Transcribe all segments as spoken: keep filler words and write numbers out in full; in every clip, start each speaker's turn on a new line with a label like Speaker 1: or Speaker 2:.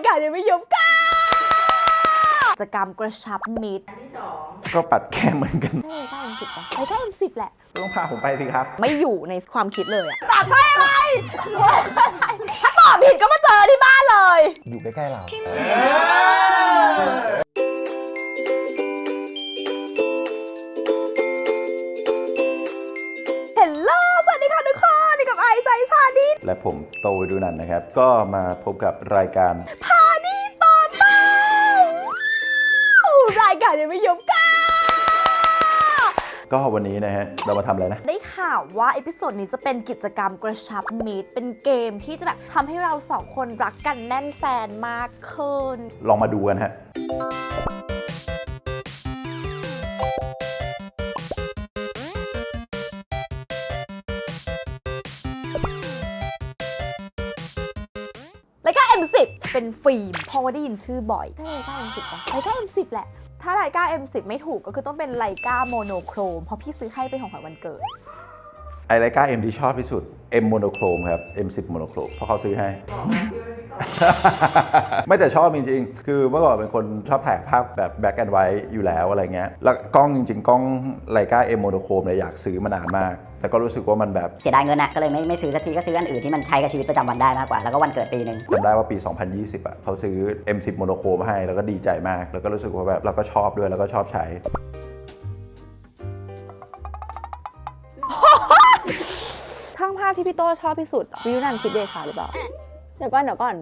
Speaker 1: การยังไม่ยุบก้ากิจกรรมกระชับมิตรอันที่สอง
Speaker 2: ก็ปัดแก้มเหมือนกัน
Speaker 1: ใช่ใกล้เอ็มสิบป่ะใกล้เอ็มสิบแหละ
Speaker 2: ต้องพาผมไปสิครับ
Speaker 1: ไม่อยู่ในความคิดเลยอะตอบได้อะไรถ้าตอบผิดก็มาเจอที่บ้านเลย
Speaker 2: อยู่ใกล้ๆเรา
Speaker 1: เฮลโลสวัสดีค่ะทุกคนนี่กับไอซ์ไซส์พาดิ
Speaker 2: และผมโตดูนันนะครับก็มาพบกับรายการ
Speaker 1: พาดิต่อเต้ารายการยังไม่ยุบก้า
Speaker 2: ก็วันนี้นะฮะเรามาทำอะไรนะ
Speaker 1: ได้ข่าวว่าเอพิโซดนี้จะเป็นกิจกรรมกระชับมิตรเป็นเกมที่จะแบบทำให้เราสองคนรักกันแน่นแฟนมากขึ้น
Speaker 2: ลองมาดูกันฮะ
Speaker 1: รายการ เอ็ม สิบ เป็นฟิล์มเพราะว่าได้ยินชื่อบ่อยใช่รายการ เอ็ม สิบ ป่ะรายการ เอ็ม สิบ แหละถ้ารายการ เอ็ม สิบ ไม่ถูกก็คือต้องเป็นรายการโมโนโครมเพราะพี่ซื้อให้เป็นของขวัญวันเกิด
Speaker 2: ไอรายการ M ที่ชอบที่สุด M โมโนโครมครับ เอ็ม สิบ โมโนโครมเพราะเขาซื้อให้ไม่แต่ชอบจริงๆคือเมื่อก่อนเป็นคนชอบถ่ายภาพแบบ black and white อยู่แล้วอะไรเงี้ยแล้วกล้องจริงๆกล้องไลกา M โมโนโครมเนี่ยอยากซื้อมานานมากแต่ก็รู้สึกว่ามันแบบ
Speaker 3: เสียดายเงินนะก็เลยไม่ไม่ซื้อสักทีก็ซื้ออันอื่นที่มันใช้กับชีวิตประจำวันได้มากกว่าแล้วก็วันเกิดปีนึง
Speaker 2: จำได้ว่าปี สองพันยี่สิบ อ่ะเขาซื้อ เอ็ม สิบ โมโนโครมให้แล้วก็ดีใจมากแล้วก็รู้สึกว่าแบบเราก็ชอบด้วยแล้วก็ชอบใช้
Speaker 1: ช่างภาพที่พี่โต้ชอบที่สุดวิวนันคิดเดชาหรือเปล่าเดี๋ยวก่อนเดี๋ยวก่อน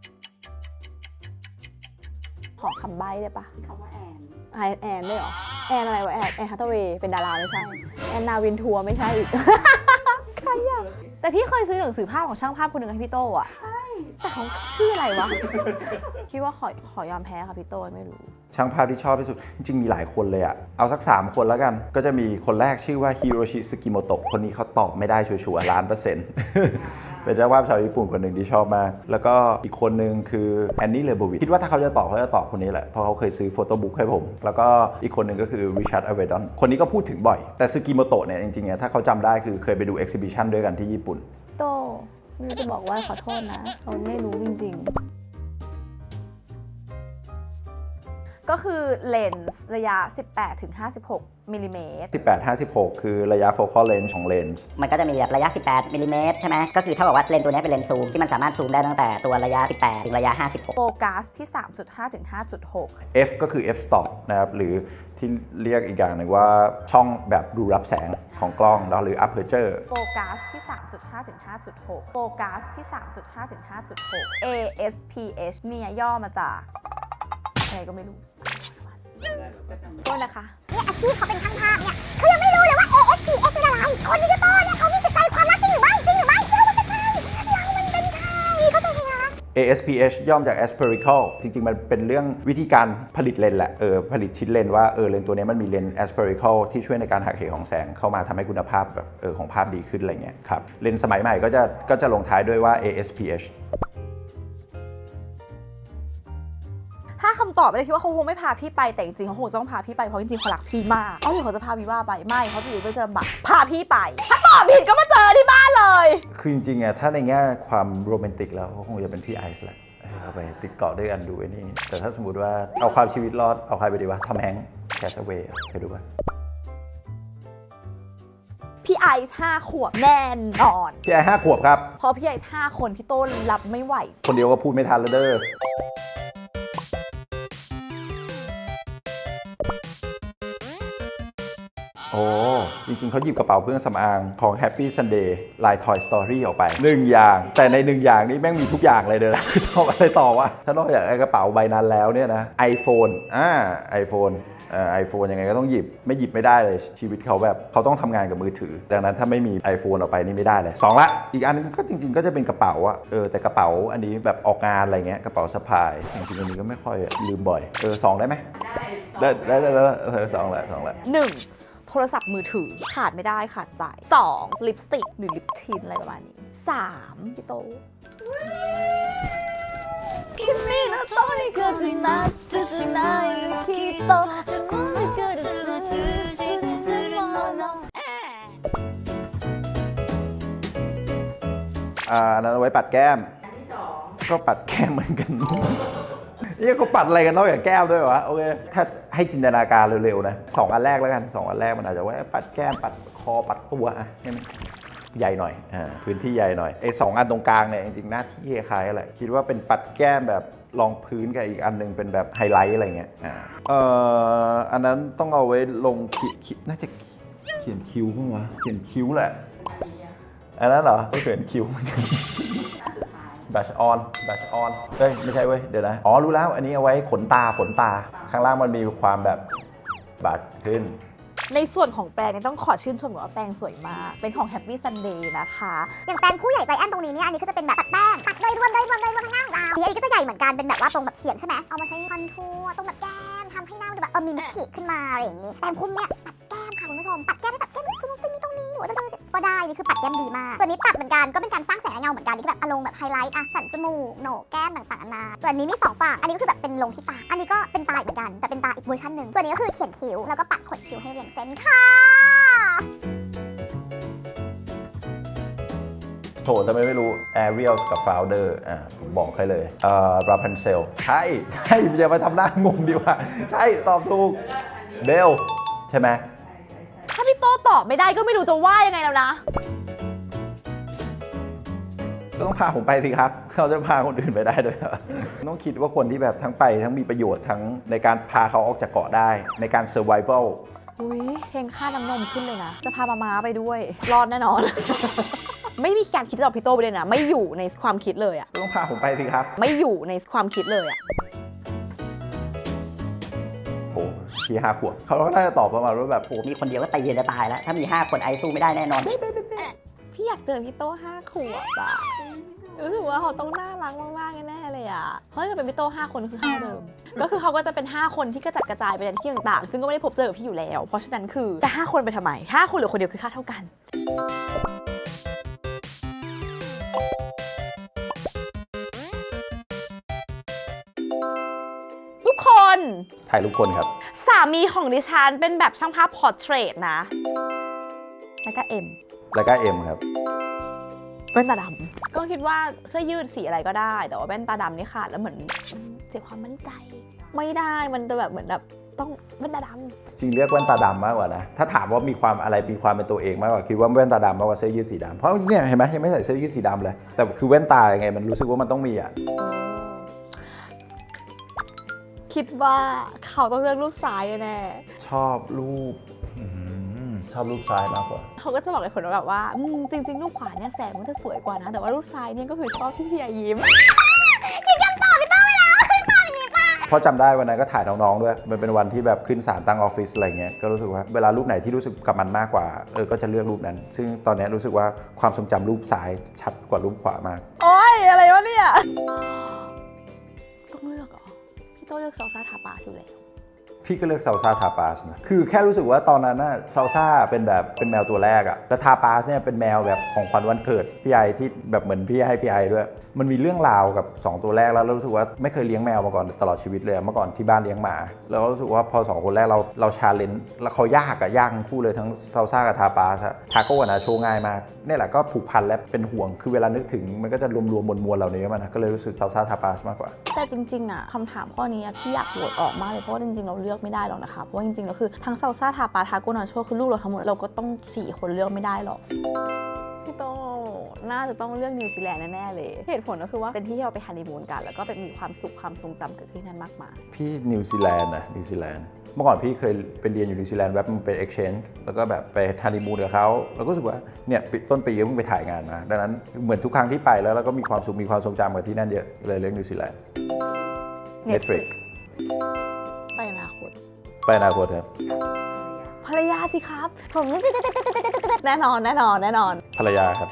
Speaker 1: ขอคำใบ้ได้ปะ
Speaker 3: คำว่าแอน
Speaker 1: แอนแอนได้หรอแอนอะไรวะแอนแอนฮัตเวย์เป็นดาราไม่ใช่แอนนาวินทัวร์ไม่ใช่อีกใครอะแต่พี่เคยซื้อหนังสือภาพของช่างภาพคนหนึ่งให้พี่โต้อะใช่แต่เขาชื่ออะไรวะคิดว่าขอขอยอมแพ้ค่ะพี่โต้ไม่รู้
Speaker 2: ช่างภาพที่ชอบที่สุดจริงๆมีหลายคนเลยอะเอาสักสามคนแล้วกันก็จะมีคนแรกชื่อว่าฮิโรชิสกิโมโตะคนนี้เขาตอบไม่ได้ชัวร์ๆล้านเปอร์เซ็นต์เป็นเจ้าภาพชาวญี่ปุ่นคนหนึ่งที่ชอบมากแล้วก็อีกคนหนึ่งคือแอนนี่เลโบวิชคิดว่าถ้าเขาจะตอบเขาจะตอบคนนี้แหละเพราะเขาเคยซื้อโฟโต้บุ๊กให้ผมแล้วก็อีกคนหนึ่งก็คือริชาร์ดอเวดอนคนนี้ก็พูดถึงบ่อยแต่สกิโมโตะเนี่ยจริงๆถ้าเขาจำได้คือเคยไปดูเอ็กซิบิชันด้วยกันที่ญี่ปุ่น
Speaker 1: โตไม่รู้จะบอกว่าขอโทษนะเราไม่รู้จริงๆก็คือเลนส์ระยะ สิบแปดถึงห้าสิบหก มิลลิเมตร
Speaker 2: สิบแปด ห้าสิบหก คือระยะ focal length ของเลนส์
Speaker 3: มันก็จะมีแบบระยะ สิบแปด มิลลิเมตรใช่ไหมก็คือเท่ากับว่าเลนส์ตัวนี้เป็นเลนส์ซูมที่มันสามารถซูมได้ตั้งแต่ตัวระยะ สิบแปด ถึงระยะ ห้าสิบหก
Speaker 1: โฟกัสที่ สามจุดห้า ถึง ห้าจุดหก
Speaker 2: F ก็คือ f stop นะครับหรือที่เรียกอีกอย่างหนึ่งว่าช่องแบบดูรับแสงของกล้องแล้วหรือ aperture
Speaker 1: โฟกัสที่ สามจุดห้า ถึง ห้าจุดหก โฟกัสที่ สามจุดห้า ถึง ห้าจุดหก เอ เอส พี เอช เนี่ยย่อมาจากอะไรก็ไม่รู้โทษนะคะ
Speaker 4: เนี่ยอาชีพเขาเป็นช่างภาพเนี่ยเขายังไม่รู้เลยว่า เอ เอส พี เอช คืออะไรคนที่ชื่อโต้เนี่ยเขามีจิตใจความรักจริงหรือไม่จริงหรือไม่เรามันเป็นใครเรามันเป็นใครเขาเป็นใคร
Speaker 2: เอ เอส พี เอช ย่อมาจาก aspherical จริงๆมันเป็นเรื่องวิธีการผลิตเลนส์แหละเออผลิตชิ้นเลนส์ว่าเออเลนส์ตัวนี้มันมีเลนส์ aspherical ที่ช่วยในการหักเหของแสงเข้ามาทำให้คุณภาพแบบเออของภาพดีขึ้นอะไรเงี้ยครับเลนส์สมัยใหม่ก็จะก็จะลงท้ายด้วยว่า เอ เอส พี เอช
Speaker 1: ถ้าคำตอบไม่ได้คิดว่าเขาคงไม่พาพี่ไปแต่จริงๆเขาคงต้องพาพี่ไปเพราะจริงๆเขารักพี่มากเอาหรือเขาจะพาพี่ว่าไปไม่เขาจะอยู่ด้วยจะลำบากพาพี่ไปถ้าตอบผิดก็มาเจอที่บ้านเลย
Speaker 2: คือจริงๆอ่ะถ้าในแง่ความโรแมนติกแล้วเขาคงจะเป็นพี่ไอซ์แหละเอาไปติดเกาะด้วยกันดูไอ้นี่แต่ถ้าสมมติว่าเอาความชีวิตรอดเอาใครไปดีวะทอมแฮงค์แคสเวย์เคยดูป่ะ
Speaker 1: พี่ไอซ์ห้าขวบแน่นอน
Speaker 2: พี่ไอซ์ห้าขวบครับ
Speaker 1: เพราะพี่ไอซ์ห้าคนพี่โต้รับไม่ไหว
Speaker 2: คนเดียวก็พูดไม่ทันแล้วเด้อโอ้จริงๆเขาหยิบกระเป๋าเครื่องสำอางของ Happy Sunday ลาย Toy Story ออกไปหนึ่งอย่างแต่ในหนึ่งอย่างนี้แม่งมีทุกอย่างเลยเด้อทำอะไรต่อวะถ้านอกจากกระเป๋าใบนั้นแล้วเนี่ยนะ iPhone อ่า iPhone อ่า iPhone ยังไงก็ต้องหยิบไม่หยิบไม่ได้เลยชีวิตเขาแบบเขาต้องทำงานกับมือถือดังนั้นถ้าไม่มี iPhone ออกไปนี่ไม่ได้เลยสองละอีกอันนึงก็จริงๆก็จะเป็นกระเป๋าอะเออแต่กระเป๋าอันนี้แบบออกงานอะไรเงี้ยกระเป๋าสะพายจริงๆอันนี้ก็ไม่ค่อยลืมบ่อยเออสองได้ไหมได้ได้ได้ได้สองละสองละ
Speaker 1: หนึ่งโทรศัพท์มือถือขาดไม่ได้ขาดใจสองลิปสติกหรือลิปทินอะไรประมาณนี้สามพี่โตคิมิโนโตะนี่คือจินะจินะคิโตะคุณไม่เคยรู้สึก
Speaker 2: อ่านั้นเอาไว้ปัดแก้มก็ปัดแก้มเหมือนกัน นี่ก็ปัดอะไรกันนอกจากแก้มด้วยวะโอเคถ้าให้จินตนาการเร็วๆนะสองอันแรกแล้วกันสองอันแรกมันอาจจะว่าปัดแก้มปัดคอปัดตัวอะให้มันใหญ่หน่อยอ่าพื้นที่ใหญ่หน่อยไอ้สองอันตรงกลางเนี่ยจริงๆหน้าที่คล้ายๆอะไรคิดว่าเป็นปัดแก้มแบบรองพื้นกับอีกอันนึงเป็นแบบไฮไลท์อะไรเงี้ยอ่าเอ่ออันนั้นต้องเอาไว้ลงคิน่าจะเขียนคิ้วมั้งวะเขียนคิ้วแหละอันนั้นเหรอก็เขียนคิ้วเหมือนกันบัชออนบัชออนเฮ้ยไม่ใช่เว้ยเดี๋ยวนะอ๋อรู้แล้วอันนี้เอาไว้ขนตาขนตาข้างล่างมันมีความแบบบาดขึ้น
Speaker 1: ในส่วนของแปรงเนี่ยต้องขอชื่นชมก่อนว่าแปรงสวยมากเป็นของ Happy Sunday นะคะ
Speaker 4: อย่างแปรงผู้ใหญ่ใจแอนตรงนี้เนี่ยอันนี้ก็จะเป็นแบบปัดแป้งปัดโดยรวมโดยรวมโดยรวมข้างล่างเราอันนี้ก็จะใหญ่เหมือนกันเป็นแบบว่าตรงแบบเฉียงใช่ไหมเอามาใช้คอนทัวร์ตรงแบบแก้มทำให้หน้าดูแบบเออมีมิติขึ้นมาอะไรอย่างนี้แปรงพุ่มเนี่ยปัดแก้มค่ะคุณผู้ชมปัดแก้มให้แบบแก้มจุ๊บๆมีตรงนี้หรือว่าจะก็ได้นี่คือปัดแก้มดีมากส่วนนี้ตัดเหมือนกันก็เป็นการสร้างแสงและเงาเหมือนกันนี่คือแบบอารมณ์แบบไฮไลท์อ่ะสันจมูกโหนกแก้มต่างๆนานาส่วนนี้มีสองฝั่งอันนี้ก็คือแบบเป็นลงที่ตาอันนี้ก็เป็นตาเหมือนกันแต่เป็นตาอีกเวอร์ชันหนึ่งส่วนนี้ก็คือเขียนคิ้วแล้วก็ปัดขนคิ้วให้เรียงเส้นค่ะ
Speaker 2: โถทำไมไม่รู้ Ariel กับ Founder อ่าผมบอกให้เลยเอ่อ Rapunzel ใช่ใช่อย่ามาทำหน้างงดีกว่าใช่ตอบถูกเบลใช่ไหม
Speaker 1: ถ้าพี่โต้ตอบไม่ได้ก็ไม่รู้จะว่ายังไงแล้วนะ
Speaker 2: ก็ต้องพาผมไปสิครับเขาจะพาคนอื่นไปได้ด้วยต้องคิดว่าคนที่แบบทั้งไปทั้งมีประโยชน์ทั้งในการพาเขาออกจากเกาะได้ในการ survival
Speaker 1: อุ้ยเพลงค่าน้ำนมขึ้นเลยนะจะพามาม้าไปด้วยรอดแน่นอน ไม่มีการคิดจะเอาพี่โต้ไปเลยนะไม่อยู่ในความคิดเลยอะ
Speaker 2: ต้องพาผมไปสิครับ
Speaker 1: ไม่อยู่ในความคิดเลยอะ
Speaker 2: โอ้พี่ห้าขวบเขาก็น่าจะตอบประมาณว่าแบบ
Speaker 3: โอ้มีคนเดียวก็ตีจะตายแล้วถ้ามีห้าคนไอสู้ไม่ได้แน่นอน
Speaker 1: พี่อยากเจอพี่โต้ห้าขวบอะรู้สึกว่าเขาต้องน่ารักมากๆแน่ๆเลยอะเพราะถ้าเป็นพี่โต้ห้าคนคือห้าเดิมก็คือเขาก็จะเป็นห้าคนที่กระจัดกระจายไปในที่ต่างๆซึ่งก็ไม่ได้พบเจอกับพี่อยู่แล้วเพราะฉะนั้นคือจะห้าคนไปทำไมห้าคนหรือคนเดียวคือค่าเท่ากันทุกคน
Speaker 2: ถ่ายรูปคนครับ
Speaker 1: สามีของดิฉันเป็นแบบช่างภาพพอร์เทรตนะแล้วก็เอ็ม
Speaker 2: แล้วก็เอ็มครับ
Speaker 1: แว่นตาดำก็คิดว่าเสื้อยืดสีอะไรก็ได้แต่ว่าแว่นตาดำนี่ขาดแล้วเหมือนเสียความมั่นใจไม่ได้มันจะแบบเหมือนแบบต้องแว่นตาดำ
Speaker 2: จริงเรียกแว่นตาดำมากกว่านะถ้าถามว่ามีความอะไรมีความเป็นตัวเองมากกว่าคิดว่าแว่นตาดำมากกว่าเสื้อยืดสีดำเพราะเนี่ยเห็นไหมยังไม่ใส่เสื้อยืดสีดำเลยแต่คือแว่นตายังไงมันรู้สึกว่ามันต้องมีอ่ะ
Speaker 1: คิดว่าเขาต้องเลือกรูปซ้ายแน่
Speaker 2: ชอบรูปชอบรูปซ้ายมากกว่า
Speaker 1: เขาก็จะบอกเลยคนว่าแบบว่าจริงๆรูปขวาเนี่ยแสงมันจะสวยกว่านะแต่ว่ารูปซ้ายเนี่ยก็คือชอบที่พี่ยิ้ม
Speaker 4: คิดคำตอบพี่โต้ไปแล้วคือตอบอย่างนี้ป่ะ
Speaker 2: เพราะจำได้วันนั้นก็ถ่ายน้องๆด้วยมันเป็นวันที่แบบขึ้นศาลตั้งออฟฟิศอะไรเงี้ยก็รู้สึกว่าเวลารูปไหนที่รู้สึกกับมันมากกว่าเออก็จะเลือกรูปนั้นซึ่งตอนนี้รู้สึกว่าความทรงจำรูปซ้ายชัดกว่ารูปขวามาก
Speaker 1: โอ๊ยอะไรวะเนี่ยต้องเลือกเหรอพี่โต้เลือกซอซ่าทาปาอยู่แล้ว
Speaker 2: พี่ก็เลือกซาลซ่าทาปาสนะคือแค่รู้สึกว่าตอนนั้นน่ะซาลซ่าเป็นแบบเป็นแมวตัวแรกอะแล้วทาปาสเนี่ยเป็นแมวแบบของขวัญวันเกิดพี่ไอที่แบบเหมือนพี่ให้พี่ไอด้วยมันมีเรื่องราวกับสองตัวแรกแล้วรู้สึกว่าไม่เคยเลี้ยงแมวมาก่อนตลอดชีวิตเลยเมื่อก่อนที่บ้านเลี้ยงหมาแล้วรู้สึกว่าพอสองคนแรกเราเราชาเลนจ์แล้วเขายากอะยากทั้งคู่เลยทั้งซาลซ่ากับทาปาสทาโก้กับนาโชง่ายมากนี่แหละก็ผูกพันและเป็นห่วงคือเวลานึกถึงมันก็จะรวมๆมวลๆเหล่านี้มันนะก็เลยรู้สึกซาลซ่าทาปาสมากกว่า
Speaker 1: แต่จริงๆอะคำถามข้อนี้พี่อยากโหวตออกมากเลยเพราะว่าจริงๆเราเลือกไม่ได้หรอกนะคะเพราะว่าจริงๆแล้วคือทั้งซาลซ่าทาปาทาโกนาโชคือลูกเราทั้งหมดเราก็ต้องสี่คนเลือกไม่ได้หรอกพี่โตน่าจะต้องเลือกนิวซีแลนด์แน่ๆเลยเหตุผลก็คือว่าเป็นที่ที่เราไปฮันนีมูนกันแล้วก็เป็นมีความสุขความทรงจำเกิดขึ้นนั้นมากมาย
Speaker 2: พี่นิวซีแลนด์นะนิวซีแลนด์เมื่อก่อนพี่เคยไปเรียนอยู่นิวซีแลนด์แบบมันเป็น exchange แล้วก็แบบไปฮันนีมูนกับเขาเราก็รู้สึกว่าเนี่ยต้นปีก็เพิ่งไปถ่ายงานมาดังนั้นเหมือนทุกครั้งที่ไปแล้วเราก็มีความสุขมีความทรงจำกับที่นั่นเยอะเลยเลือกนิวซีแลนด์ Netflix
Speaker 1: ไปอนาคต
Speaker 2: ไปอนาคตครับ
Speaker 1: ภรรยาสิครับผมแน่นอนแน่นอนแน่นอน
Speaker 2: ภรรยาครับ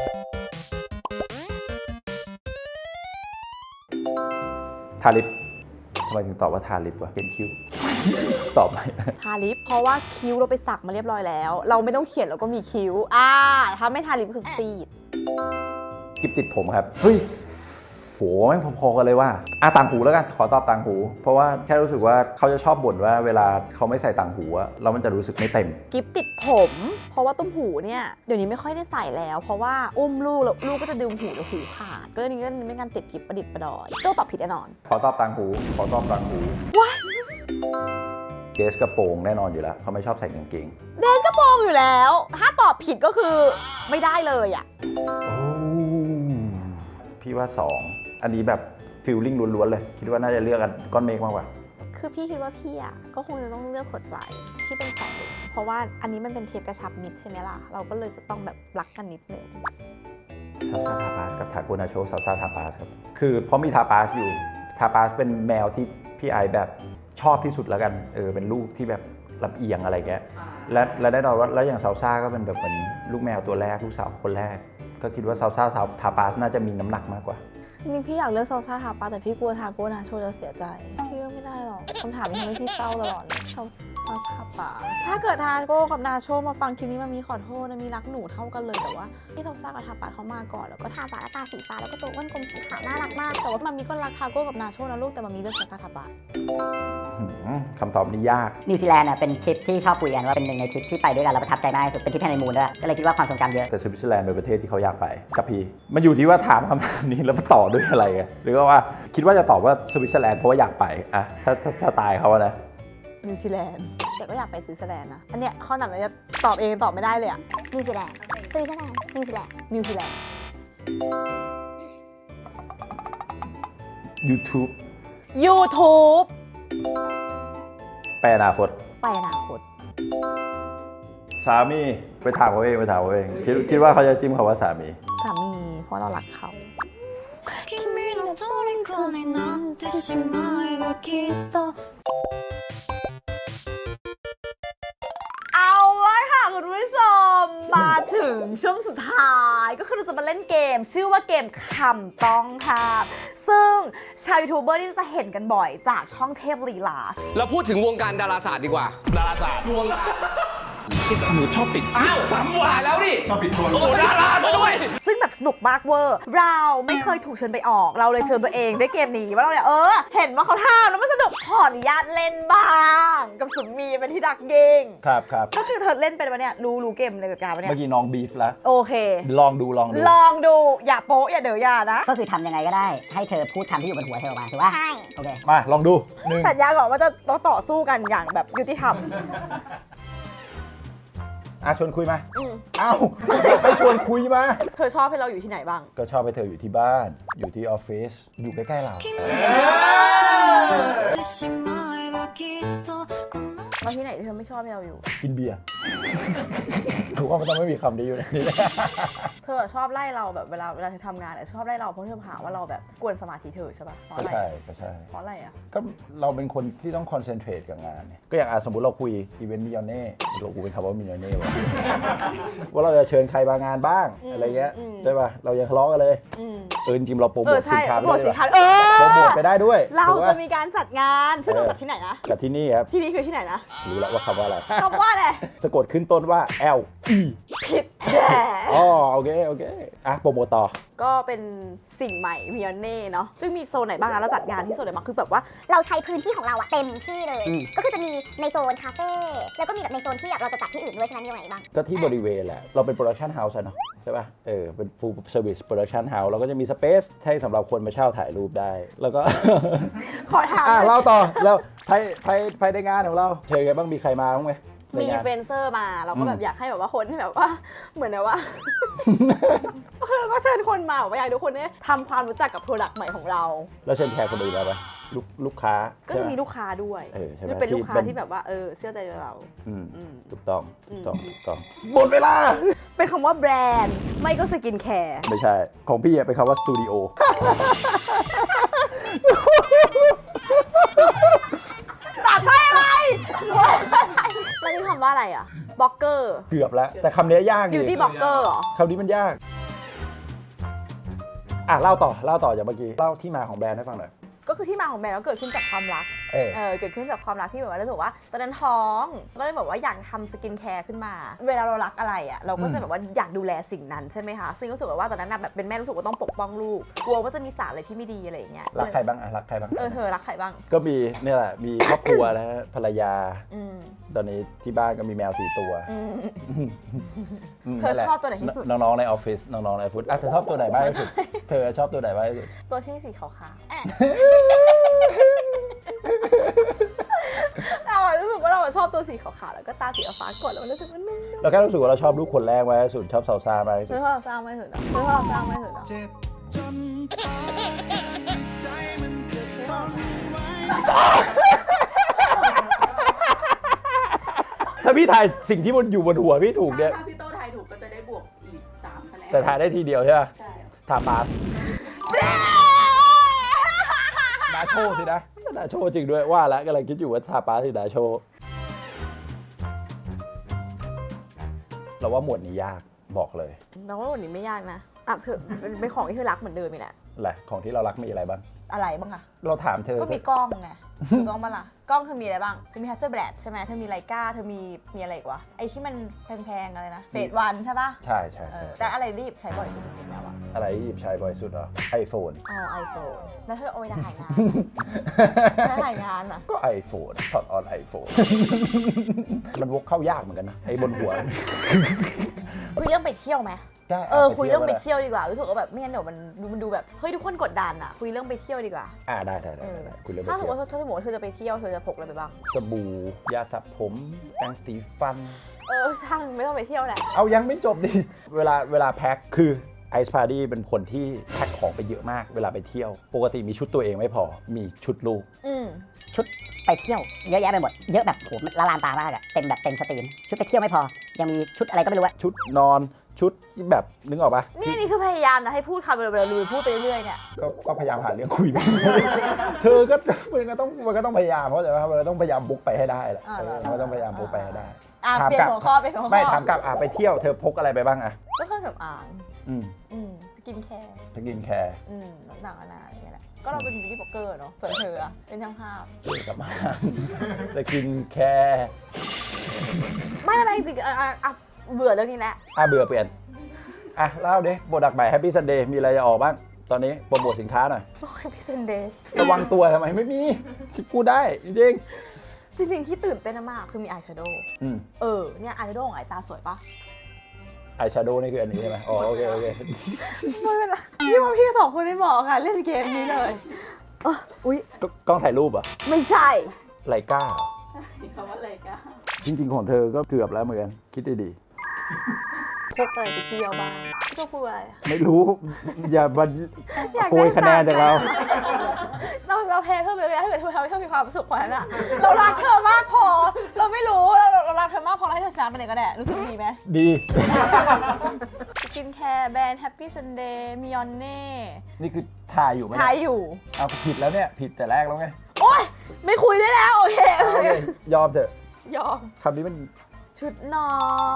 Speaker 2: ทาลิปทำไมถึงตอบว่าทาลิปวะเขียนคิ้วตอบไป
Speaker 1: ทาลิปเพราะว่าคิ้วเราไปสักมาเรียบร้อยแล้วเราไม่ต้องเขียนเราก็มีคิ้วอ่าถ้าไม่ทาลิปคือซีด
Speaker 2: กิบติดผมครับเฮ้ยโหแม่งพอๆกันเลยว่าอ่ะต่างหูแล้วกันขอตอบต่างหู เพราะว่าแค่รู้สึกว่าเขาจะชอบบ่นว่าเวลาเขาไม่ใส่ต่างหูอะแล้วมันจะรู้สึกไม่เต็ม
Speaker 1: กิฟติดผม เพราะว่าตุ้มหูเนี่ยเดี๋ยวนี้ไม่ค่อยได้ใส่แล้ว เพราะว่าอุ้มลูกแล้วลูกก็จะดึงหูเดี๋ยวหูขาดก็เลยนี่ก็ไม่งั้นติดกิฟประดิษฐ์ประดอยโจ้ตอบผิดแน่นอน
Speaker 2: ขอตอบต่างหู ขอตอบต่างหูเดสกระโปรงแน่นอนอยู่แล้วเขาไม่ชอบใส่กางเกง
Speaker 1: เดนก็มองอยู่แล้ว ถ้าตอบผิดก็คือไม่ได้เลยอ่ะ
Speaker 2: โอ้พี่ว่าสองอันนี้แบบฟิลลิ่งล้วนๆเลย คิดว่าน่าจะเลือกกันก้อนเมฆมากกว่า
Speaker 1: คือพี่คิดว่าพี่อ่ะก็คงจะต้องเลือกหัวใจที่เป็นสองเหลี่ยมเพราะว่าอันนี้มันเป็นเทปกระชับมิตรใช่ไหมล่ะเราก็เลยจะต้องแบบรักกันนิดนึง
Speaker 2: ซาซาทาปาสกับทาโกนาโชซาซาทาปาสครับ คือเพราะมีทาปาสอยู่ ทาปาสเป็นแมวที่พี่ไอแบบชอบที่สุดแล้วกัน เออ เป็นลูกที่แบบลำเอียงอะไรเงี้ย และและแน่นอนว่าแล้วอย่างซาซ่าก็เป็นแบบเหมือนลูกแมวตัวแรกลูกสาวคนแรก ก็คิดว่าซาซ่าทาปาสน่าจะมีน้ำหนักมากกว่า
Speaker 1: จริงๆพี่อยากเลือกซาซ่าทาปาแต่พี่กลัวทาโก้นาโชจะเสียใจพี่เลือกไม่ได้หรอกคำถามนี้ทำให้พี่เศร้าตลอดเลยซาซ่าทาปาถ้าเกิดทาโก้กับนาโชมาฟังคลิปนี้มามีขอโทษนะมีรักหนูเท่ากันเลยแต่ว่าพี่ซาซ่ากับทาปาเขามาก่อนแล้วก็ทา
Speaker 4: ทาปากและตาสีฟ้าแล้วก็ตัวอ้วนกลมสีขาวน่ารักมาก
Speaker 1: แต่ว่ามามีก็รักทาโก้กับนาโชนะลูกแต่มามีเลือกซาซ่าทาปา
Speaker 2: หืมคำตอบนี้ยาก
Speaker 3: นิวซีแลนด์น่ะเป็นทริปที่ชอบคุยกันว่าเป็นหนึ่งในทริปที่ไปด้วยกันแล้วประทับใจมากที่สุดเป็นทริปฮันนีมูนด้วยก็เลยคิดว่าความทรงจำเยอะ
Speaker 2: แต่สวิตเซอร์แลนด์เป็นประเทศที่เขาอยากไปกับพี่ มันอยู่ที่ว่าถามคำถามนี้แล้วมาต่อด้วยอะไรไงหรือว่าคิดว่าจะตอบว่าสวิตเซอร์แลนด์เพราะว่าอยากไปอะถ้าถ้าสไตล์เขาอะนะ
Speaker 1: นิวซีแลนด์แต่ก็อยากไปสวิตเซอร์แลนด์นะอันเนี้ยข้อหนักเลยจะตอบเองตอบไม่ได้เลยอะ
Speaker 4: นิวซีแลนด์สวิตเซอร์แลนด์นิวซีแลนด์
Speaker 1: นิวซีแลนด์
Speaker 2: YouTube
Speaker 1: YouTube
Speaker 2: ไปอนาคต
Speaker 1: ไปอนาคต
Speaker 2: สามีไปถามเขาเองไปถามเขาเองคิดคิดว่าเขาจะจิ้มคำว่าสามี
Speaker 1: สามีเพราะเรารักเขา
Speaker 5: 君の虜になってしまえばきっと
Speaker 1: เอาละค่ะคุณผู้ชมมาถึงช่วงสุดท้ายก็คือเราจะมาเล่นเกม ชื่อว่าเกมคำต้องครับซึ่งชาวยูทูบเบอร์นี่จะเห็นกันบ่อยจากช่องเทพลีลา
Speaker 6: เราพูดถึงวงการดาราศาสตร์ดีกว่า ดาราศาสตร์วงการหนูชอบติดอ้าวซ้ำว่ะแล้วดิชอบติดตัวโอ้ดาราด้วย
Speaker 1: ซึ่งแบบสนุกมากเวอร์ เราไม่เคยถูกเชิญไปออก เราเลยเชิญตัวเองด้วยเกมนี้ว่าเราเนี่ยเออ เห็นว่าเขาทำแล้วมันสนุกขออนุญาตเล่นบ้าง กับสุนมีเป็นที่ดักเก่ง
Speaker 2: ครับครับ
Speaker 1: ก็คือเธอเล่นเป็นปะเนี่ยรู้รู้เกมในกติกาปะเนี่ย
Speaker 2: เมื่อกี้น้องบีฟแล้ว
Speaker 1: โอเค
Speaker 2: ลองดูลองดู
Speaker 1: ลองดูอย่าโป๊ะอย่าเดืออย่านะ
Speaker 3: ก็คือทำยังไงก็ได้ให้เธอพูดคำที่อยู่บนหัวเธอออกมาถูกป่ะ
Speaker 4: ใช่
Speaker 3: โอเค
Speaker 2: มาลองดูหนึ่ง
Speaker 1: สัญญาก่อนว่าจะต้องต่อสู้กันอย่างแบบยุติธรรม
Speaker 2: อ่ะชวนคุยมา
Speaker 1: อืม
Speaker 2: เอ้าไปชวนคุยมา
Speaker 1: เธอชอบให้เราอยู่ที่ไหนบ้าง
Speaker 2: ก็ชอบไปเธออยู่ที่บ้าน อยู่ที่ออฟฟิศอยู่ใกล้ๆเรา
Speaker 5: 君の虜になってしまえばきっとこの
Speaker 1: แล้วที่ไหนที่เธอไม่ชอบให้เราอยู่
Speaker 2: กินเบียร์ ถูกว่ามันต้องไม่มีคำนี้อยู่ในนี้
Speaker 1: เธอชอบไล่เราแบบเวลาเวลาเธอทำงานเนี่ยชอบไล่เราเพราะเธอหาว่าเราแบบกวนสมาธิเธอใช่ปะเพราะ
Speaker 2: ก็
Speaker 1: อะไร
Speaker 2: ใช่ก็ใช่
Speaker 1: เพราะอะไรอ่ะ
Speaker 2: ก็เราเป็นคนที่ต้องคอนเซนเทรตกับงานเนี่ยก็อย่างอ่ะสมมติเราคุยอีเวนต์มิลเน่เรากูเป็นคำว่ามิลเน่วะ ว่าเราจะเชิญใครมางานบ้าง
Speaker 1: อืม
Speaker 2: อะไรเงี้ย
Speaker 1: อืม
Speaker 2: ใช่ป่ะเรายังทะเลาะกันเลย
Speaker 1: อืม
Speaker 2: เออจริงๆเราโปรโม
Speaker 1: เออ
Speaker 2: ท
Speaker 1: ใช่
Speaker 2: สินค้า
Speaker 1: โปร
Speaker 2: ไป
Speaker 1: โมท
Speaker 2: ได้
Speaker 1: สิ
Speaker 2: ด้วย
Speaker 1: นค้าเออ
Speaker 2: โปรโมทไปได้ด้วย
Speaker 1: เรา
Speaker 2: ถูกป
Speaker 1: จะมีการจัดงานสนุกจากที่ไหนนะ
Speaker 2: กับที่นี่ครับ
Speaker 1: ที่นี่คือที่ไหนนะ
Speaker 2: รู้แล้วว่าคำว่าอะไร
Speaker 1: คำว่าอะไร
Speaker 2: สะกดขึ้นต้นว่า L E
Speaker 1: ผิดแย่
Speaker 2: อ๋อโอเคโอเคอ่ะโปรโมทต่อ
Speaker 1: ก็เป็นสิ่งใหม่มิยอนเน่เนาะซึ่งมีโซนไหนบ้างนะเราจัดงานที่โซนไหนบ้างคือแบบว่า
Speaker 4: เราใช้พื้นที่ของเราอะเต็มที่เลย
Speaker 2: อืม
Speaker 4: ก็คือจะมีในโซนคาเฟ่แล้วก็มีแบบในโซนที่แบบเราจะจัดที่อื่นด้วยฉะนั้นมีอะไรบ้าง
Speaker 2: ก็ที่บริเวณแหละ เราเป็นโปรดักชันเฮาส์เนาะใช่ป่ะ เออ เป็น full service production house เราก็จะมีสเปซให้สำหรับคนมาเช่าถ่ายรูปได้ แล้วก็
Speaker 1: ขอถาม
Speaker 2: อ่ะเล่าต่อ แล้วภายภายภายในงานของเราเชิญไงบ้าง มีใครมาบ้างไหมใน
Speaker 1: มี
Speaker 2: งาน
Speaker 1: เฟนเซอร์มาเราก็แบ
Speaker 2: อื
Speaker 1: บ
Speaker 2: ม
Speaker 1: อยากให้แบบว่าคนที่แบบว่าเหมือนแบบว่า ก็เชิญคนมาบอกว่าอยากให้ทุกคนเนี่ยทำความรู้จักกับโปรดักต์ใหม่ของเรา
Speaker 2: แล้วเชิญแขกคนอื่นมาปะลูกลูกค้า
Speaker 1: ก็
Speaker 2: ใช่
Speaker 1: จะ
Speaker 2: ป
Speaker 1: มีลูกค้าด้วย
Speaker 2: เออใช่ไหม
Speaker 1: จะเป็นลูกค้า
Speaker 2: ที่เป็น
Speaker 1: ที่แบบว่าเออเชื่อใจเรา
Speaker 2: อืม
Speaker 1: อืม
Speaker 2: ถูกต้อง
Speaker 1: อื
Speaker 2: ถู
Speaker 1: ม
Speaker 2: กต้องถูกต้องหมดเวลา
Speaker 1: เป็นคำว่าแบรนด์ ไม่ก็สกินแคร์
Speaker 2: ไม่ใช่ ของพี่อะเป็นคำว่าสตูดิโอ
Speaker 1: ตัดไปอะไรแล้วนี่คำว่าอะไรอ่ะบล็อกเกอร์
Speaker 2: เกือบแล้ว แต่คำนี้ยาก
Speaker 1: บิวตี้บล็อกเกอร์เหรอ
Speaker 2: คำนี้มันยาก อ่ะ เล่าต่อ เล่าต่อจากเมื่อกี้ เล่าที่มาของแบรนด์ให้ฟังหน่อย
Speaker 1: ก็คือที่มาของแบรนด์ก็เกิดขึ้นจากความรัก
Speaker 2: เออ
Speaker 1: เออเกิดขึ้นจากความรักที่แบบว่ารู้สึกว่าตอนนั้นท้องก็เลยแบบว่าอยากทำสกินแคร์ขึ้นมา เวลาเรารักอะไรอ่ะเราก็จะแบบว่าอยากดูแลสิ่งนั้นใช่ไหมคะซึ่งรู้สึกว่าตอนนั้นแบบเป็นแม่รู้สึกว่าต้องปกป้องลูกกลัวว่าจะมีสารอะไรที่ไม่ดีอะไรอย่างเงี้ย
Speaker 2: รักใครบ้างอะรักใครบ้าง
Speaker 1: เออเธอรักใครบ้าง
Speaker 2: ก็มีเนี่ยแหละมีครอบครัวนะฮะภรรยา
Speaker 1: อืม
Speaker 2: ตอนนี้ที่บ้านก็มีแมวสี่ตัว
Speaker 1: อืม
Speaker 2: ม
Speaker 1: เธอ
Speaker 2: นั่นแหละ
Speaker 1: ชอบตัวไหนที่สุด
Speaker 2: น้องๆในออฟฟิศน้องๆในออฟฟิศอ่ะเธอชอบตัวไหนบ้างที่สุดเธอชอบตัวไหนบ้างที่สุด
Speaker 1: ตัวที่สีขาวๆเราอะรู้สึกว่าเราอะชอบตัวสีขาวๆแล้วก็ตาสีฟ้ากดแล้วมันรู้สึกว่านุ่ม
Speaker 2: เราแค่รู้สึกว่าเราชอบลูกคนแรกมากที่สุดชอบซาวซ่ามากที่
Speaker 1: ๆ
Speaker 2: สุ
Speaker 1: เธ
Speaker 2: ด
Speaker 1: อชอบสร้างไม่สุดหรอเธอชอบสร้างไม่สุดหรอ
Speaker 7: เจ็บจนปานใจมันจะทนไว้
Speaker 2: ถ้าพี่ทายสิ่งที่มันอยู่บนหัวพี่ถูกเนี่ย
Speaker 8: ถ้าพี่โต้ทายถูกก็จะได้บวกอีกสามคะแนน
Speaker 2: แต่ทายได้ทีเดียวใช่ไหม
Speaker 8: ใช่
Speaker 2: ทาปาสนาโชสินะนาโชจริงด้วยว่าแล้วกำลังคิดอยู่ว่าทาปาสหรือนาโชเราว่าหมวดนี้ยากบอกเลย
Speaker 1: เราว่าวันนี้ไม่ยากนะอ่ะเธอเป็นเป็นของที่เธอรักเหมือนเดิมอีกแหละ
Speaker 2: แหละของที่เรารักมีอะไรบ้าง
Speaker 1: อะไรบ้างอะ
Speaker 2: เราถามเธอ
Speaker 1: ก็มีกล้องไงถูกต้องปะล่ะกล้องเธอมีอะไรบ้างเธอมี Hasselblad ใช่ไหมเธอมีไลกาเธอมีมีอะไรอีกวะไอที่มันแพงๆอะไรนะเฟสวันใช่ปะ
Speaker 2: ใช่ใช่
Speaker 1: เอ
Speaker 2: ใช่
Speaker 1: อแต่อะไรรีบใช้บ่อยสุดจริงๆแล้วอะ
Speaker 2: อะไรที่หยิบใช้บ่อยสุดเหรอไอโฟน
Speaker 1: อ๋อไอโฟนแล้วเธอเอาไว้ถ่ายงานเธอถ่ายงานอะ
Speaker 2: ก็ไอโฟนถอดออนไอโฟน มันวกเข้ายากเหมือนกันนะไอบนหัว
Speaker 1: คุยเรื่องไปเที่ยวไหม
Speaker 2: ได้
Speaker 1: เออคุยเรื่องไป
Speaker 2: ก็ด้
Speaker 1: เที่ยวดีกว่ารู้สึกว่าแบบไม่งั้นเดี๋ยวมันดูมันดูแบบเฮ้ยทุกคนกดดันอะคุยเรื่องไปเที่ยวดีกว่า
Speaker 2: อ่าได้ได้ได้
Speaker 1: เออ
Speaker 2: ได้คุณเริ่มไป
Speaker 1: ถ้าสมม
Speaker 2: เที่ยว
Speaker 1: ติว่าถ้าสมมติว่าเธอจะไปเที่ยวเธอจะพกอะไรไปบ้าง
Speaker 2: สบู่ยาสระผมแปรงสีฟัน
Speaker 1: เออช่างไม่ต้องไปเที่ยวแหละ
Speaker 2: เอายังไม่จบดิ เวลาเวลาแพ็คคือไอซ์พาร์ดี้เป็นคนที่แพ็คของไปเยอะมากเวลาไปเที่ยว ปกติมีชุดตัวเองไม่พอมีชุดลูก
Speaker 1: อืม
Speaker 3: ชุดไปเที่ยวเยอะแยะไปหมด เยอะแบบโหละลานตามากอะเต็มแบบเต็มสตรีม ชุดไปเที่ยวไม่พอ ยังมีชุดอะไรก็ไม่รู้อะ
Speaker 2: ชุดนอนชุดที่แบบนึกออกปะ
Speaker 1: นี่นี่คือพยายามนะให้พูดคำเร็วๆลุยพูดไปเรื่อยๆเนี่ย
Speaker 2: ก็ก็พยายามหาเรื่องคุย เธอก็มันก็ต้องมันก็ต้องพยายามเพราะอะไรวะมันก็ต้องพยายามบุกไปให้ได้แหละ
Speaker 1: อ่า
Speaker 2: เออมันก็ต้องพยายามบุกไปให้ได้
Speaker 1: อ่ะ
Speaker 2: ถาม
Speaker 1: เปลี่ย
Speaker 2: ก
Speaker 1: น
Speaker 2: ลับ
Speaker 1: หัวข้อเปลี่ยนหัวข้อ
Speaker 2: ไม่ถามกลับอ่ะไปเที่ยวเธอพกอะไรไปบ้างอ่ะ
Speaker 1: ก็เครื่องสำอาง
Speaker 2: อืม
Speaker 1: อืมสกินแคร์
Speaker 2: สกินแคร์
Speaker 1: อืมต่างๆนานาอย่างเงี้ยแหละก็เราเป็นบิวตี้บล็อกเกอร์เนาะส่วนเธออะเป็นช่างภาพ
Speaker 2: เครื่องสำอางสกินแคร์
Speaker 1: ไม่ไม่ไม่จริงๆอ่ะอ่ะอ่ะเบื่อเรื่องนี้แหละ
Speaker 2: อ่ะเบื่อเปลี่ยนอ่ะเล่าดิโปรดักต์ใหม่ Happy Sunday มีอะไรจะออกบ้าง ตอนนี้โปรโมทสินค้าหน่อย
Speaker 1: โอ้ยพี่เซนเดย์
Speaker 2: ระวังตัวทำไมไม่มีชิพูดได้จริง
Speaker 1: จริงๆที่ตื่นเต้นมากคือมีอายแชโดว์
Speaker 2: ๆอืม
Speaker 1: เออเนี่ยอายแชโดว์ของไอตาสวยปะ
Speaker 2: อายแชโดว์นี่คืออันนี้ใช่ไหมอ๋อโอเคโอเค
Speaker 1: ไม่เป็นไรพี่ว่าพี่สองคนไม่เหมาะค่ะเล่นเกมนี้เลยเอออุ้ย
Speaker 2: กกล้องถ่ายรูปเหรอ่ะ
Speaker 1: ไม่ใช่
Speaker 2: ไลกา
Speaker 8: คำว่าอะไรกัน
Speaker 2: จริง ๆ ของเธอก็เกือบแล้วเหมือนกันคิดดี
Speaker 1: พกอะไรไปเที่ยวบ้างพี่ต้องพูดอะไรอะ
Speaker 2: ๆไม่รู้ อย่าบัน
Speaker 1: อยากได้
Speaker 2: โกยคะแนนจากเรา
Speaker 1: เราเราแพ้เธอไปไม่ได้ถ้าเกิดเธอทำให้เธอมีความสุขกว่านั้นอะเรารักเธอมากพอ เราไม่รู้เราเรารักเธอมากพอเราให้เธอชนะไปเลยก็ได้รู้สึกดีไหม
Speaker 2: ดี
Speaker 1: สกินแคร์แบรนด์ Happy Sunday มิยอนเน่
Speaker 2: นี่คือถ่ายอยู่ไหม
Speaker 1: ทายอยู่
Speaker 2: เอาผิดแล้วเนี่ย ผิดแต่แรกแล้วไง
Speaker 1: โอ๊ย ไม่คุยได้แล้ว โอเคโอ
Speaker 2: โอ
Speaker 1: เค
Speaker 2: เคยอมเถอะ
Speaker 1: ยอม
Speaker 2: คำนี้มัน
Speaker 1: ชุดนอน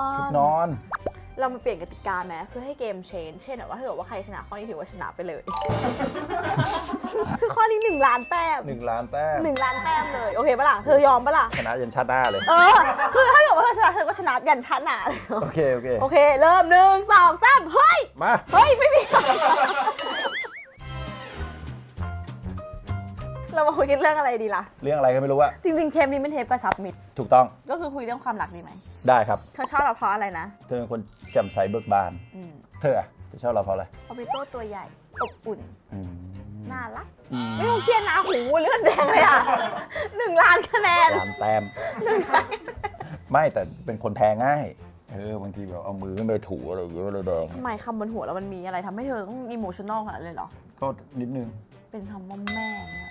Speaker 2: ชุดนอน
Speaker 1: เรามาเปลี่ยนกติกาไหมเพื่อให้เกมเชนเช่นแบบว่าถ้าเกิดว่าใครชนะข้อนี้ถือว่าชนะไปเลย คือข้อนี้หนึ่งล้านแต้ม
Speaker 2: หนึ่งล้านแต้ม
Speaker 1: หนึ่งล้านแต้มเลย โอเคปะล่ะ เธอยอมปะล่ะ
Speaker 2: ชนะยันชาติหน้าเลย
Speaker 1: เออ คือถ้าเกิดว่าเธอชนะเธอก็ชนะยันชั้นอ่ะ
Speaker 2: โอเค โอเค
Speaker 1: โอเค เริ่มหนึ่งสองสามเฮ้ย
Speaker 2: มา
Speaker 1: เฮ้ย ไม่มี เรามาคุยกันเรื่องอะไรดีล่ะ
Speaker 2: เรื่องอะไรก็ไม่รู้อะ
Speaker 1: จริงๆเทปนี้เป็นเทปกระชับมิตร
Speaker 2: ถูกต้อง
Speaker 1: ก็คือคุยเรื่องความรักดีไหม
Speaker 2: ได้ครับ
Speaker 1: เธอชอบเราเพราะอะไรนะ
Speaker 2: เธอเป็นคนแจ่มใสเบิกบาน
Speaker 1: อืม
Speaker 2: เธออะเธอชอบเราเพราะอะไร
Speaker 1: พอปิโต้ตัวใหญ่ อบอุ่น
Speaker 2: อืม
Speaker 1: น่ารัก
Speaker 2: อืม
Speaker 1: ไม่ต้องเครียดนะหูเลือดแดงเลยอ่ะ หนึ่งล้านคะแนน
Speaker 2: ล้านแต้ม ไม่แต่เป็นคนแพ้ง่าย เออบางทีแบบเอามือขึ้นไปถูอะไรอย่างเงี้ยเลยแดง
Speaker 1: ทำไมคำบนหัวเรามันมีอะไรทำให้เธอต้องอิโมชันอลขนาดนั้นเลยเหรอ
Speaker 2: ก็นิดนึง
Speaker 1: เป็นคำว่าแม่เนี่ยเหรอ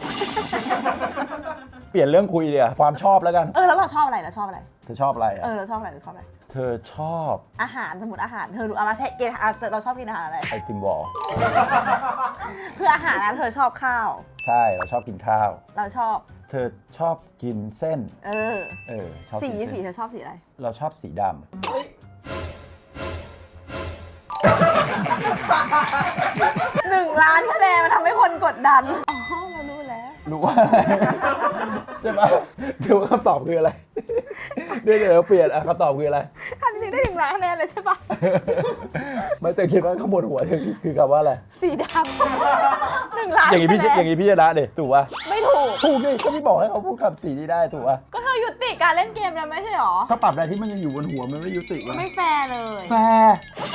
Speaker 2: เปลี่ยนเรื่องคุยเดี๋ยวความชอบแล้วกัน
Speaker 1: เออแล้วเราชอบอะไรเราชอบอะไร
Speaker 2: เธอชอบอะไร
Speaker 1: เอ
Speaker 2: อะ
Speaker 1: อเราชอบอะไรเราชอบอะไร
Speaker 2: เธอชอบ
Speaker 1: อาหารสมมติอาหารเธอรู้อะไรแท้เกณฑ์อ่ะเราชอบกินอาหารอะไร
Speaker 2: ไอติมวอล
Speaker 1: คืออาหารนะเธอชอบข้าว
Speaker 2: ใช่เราชอบกินข้าว
Speaker 1: เราชอบ
Speaker 2: เธอชอบกินเส้น
Speaker 1: เออ
Speaker 2: เออชอบ
Speaker 1: สี
Speaker 2: กิน
Speaker 1: สี
Speaker 2: เส้น
Speaker 1: เธอชอบสีอะไร
Speaker 2: เราชอบสีดำ
Speaker 1: หนึ่งล้านคะแนนมันทำให้คนกดดัน อ๋อเรารู้
Speaker 2: รู้ว่าอะไรใช่ปะถือว่าคำตอบคืออะไรเดี๋ยวเดี๋ยวเปลี่ยนอ่ะคำตอบคืออะไร
Speaker 1: อันนี้ได้ถึงล้านคะแนนเลยใช่ปะ
Speaker 2: ไม่แต่คิดว่าข้างบนหัวคือคือคำว่าอะไร
Speaker 1: สีดำหนึ่งล้าน
Speaker 2: อย่างงี้พี่
Speaker 1: คะแนน
Speaker 2: อย่างงี้พี่ชนะดิถูกป่ะ
Speaker 1: ไม่ถูก
Speaker 2: ถูกดิก็พี่บอกให้เขาพูดคำสีนี้ได้ถูกป่ะ
Speaker 1: ก็เธอยุติการเล่นเกมแล้วไม่ใช่หรอ
Speaker 2: ถ้าปรับอะไรที่มันยังอยู่บนหัวมันไม่ยุติวะ
Speaker 1: ไม่แฟร์เลย
Speaker 2: แฟร์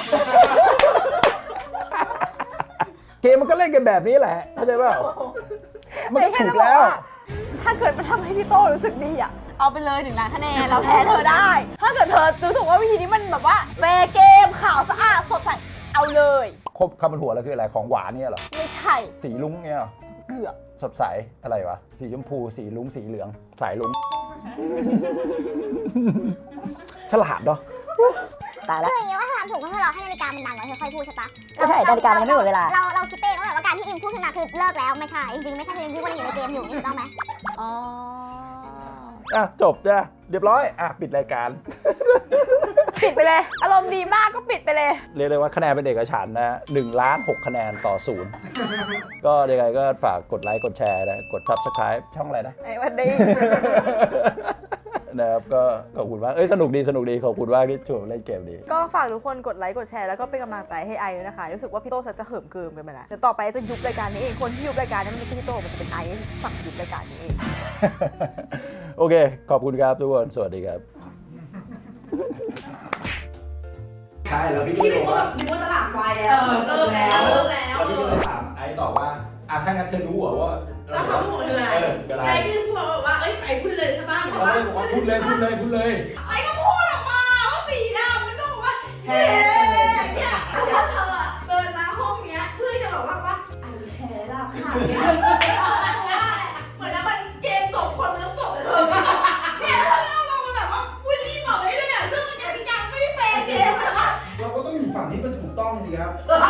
Speaker 2: เกมมันก็เล่นกันแบบนี้แหละเข้าใจเปล่ามันก็ถูกแล้ว
Speaker 1: ถ้าเกิดมันทำให้พี่โต้รู้สึกดีอ่ะ เอาไปเลยหนึ่งล้านคะแนนเราแพ้เธอได้ ถ้าเกิดเธอรู้สึกว่าวิธีนี้มันแบบว่าแฟร์เกมขาวสะอาดสดใสเอาเลย
Speaker 2: ครบคำบนหัวแล้วคืออะไรของหวานเนี่ยเหรอ
Speaker 1: ไม่ใช่
Speaker 2: สีลุ้งเนี่ยเหรอ
Speaker 1: เกือบ
Speaker 2: สดใสอะไรวะสีชมพูสีลุ้งสีเหลืองสายลุ้ง ฉลาดเนาะ
Speaker 3: ตายแล้ว
Speaker 4: คืออย่างนี้ว่าถ้าทำถูกก็คือเราให้นาฬิกามันดังแล้วเธอค่อยพูดใช่ปะ
Speaker 3: ก็ใช่นาฬิกามันยังไม่หมดเวลา
Speaker 4: เราเราคิดเองว่าแบบว่าการที่อิมพูดขึ้นมาคือเลิกแล้วไม่ใช่จริงๆไม่ใช่คืออิมพูดว่ายังอยู่ในเกมอยู่ถูกต้องไหม
Speaker 1: อ๋อ
Speaker 2: อ่ะจบจ้ะเรียบร้อยอ่ะปิดรายการ
Speaker 1: ปิดไปเลย อารมณ์ดีมากก็ปิดไปเลย
Speaker 2: เรียกได้ว่าคะแนนเป็นเอกฉันท์นะหนึ่งล้านหกคะแนนต่อศูนย์ ก็ยังไงก็ฝากกดไลค์กดแชร์นะกด Subscribe ช่องอะไรนะ
Speaker 1: ไอ้วันนี้
Speaker 2: นะครับก็ขอบคุณมากเอ้ยสนุกดีสนุกดีขอบคุณมากที่ชวนเล่นเกมดี
Speaker 1: ก็ฝากทุกคนกดไลค์กดแชร์แล้วก็เป็นกำลังใจให้ไอด้วยนะคะ รู้สึกว่าพี่โต้จะเหิมเกิมกันไปแล้วเดี๋ยวต่อไปจะยุบรายการนี้เอง คนที่ยุบรายการนี้มันไม่ใช่พี่โต้มันจะเป็นไอสั่งยุบรายการนี้เอง
Speaker 2: โอเค ขอบคุณครับทุกคน สวัสดีครับ ใช่แล้วพี่ก็เลยบอกว่า
Speaker 8: นึกว่าตลาดวายแล้วเลิกแล้วเลิกแล้ว
Speaker 2: พี่ก็เลยถามไอ้ต่อว่าอ่ะถ้างั้นเธอรู้เหรอว่า
Speaker 8: แล้วเขาพูดอะไร
Speaker 2: เออเป็นไร
Speaker 8: ใจที่พูดบอกว่าเอ้ยไปพูดเลยใช่ป่ะบอก
Speaker 2: เรา
Speaker 8: ว่า
Speaker 2: เลยบอกว่าพูดเลยพูดเลยพูดเลย
Speaker 8: ไอ้ก็พูดออกมาว่าสีดำมันต้องบอกว่าเฮ้เนี่ยแล้วเธอเดินมาห้องเนี้ยเพื่อจะบอกว่าว่าไอ้แพ้ละค่ะเหมือนแล้วมันเกมจบคนแล้วจบเลยเธอเนี่ยแล้วเราเราแบบว่าพูดรีบบอกไปเรื่อยๆซึ่งมันกติกาไม่ได้แฟร์เกมเลยค่ะ
Speaker 2: เราก็ต้องอยู่ฝั่งที่มันถูกต้องสิครับ
Speaker 8: เออ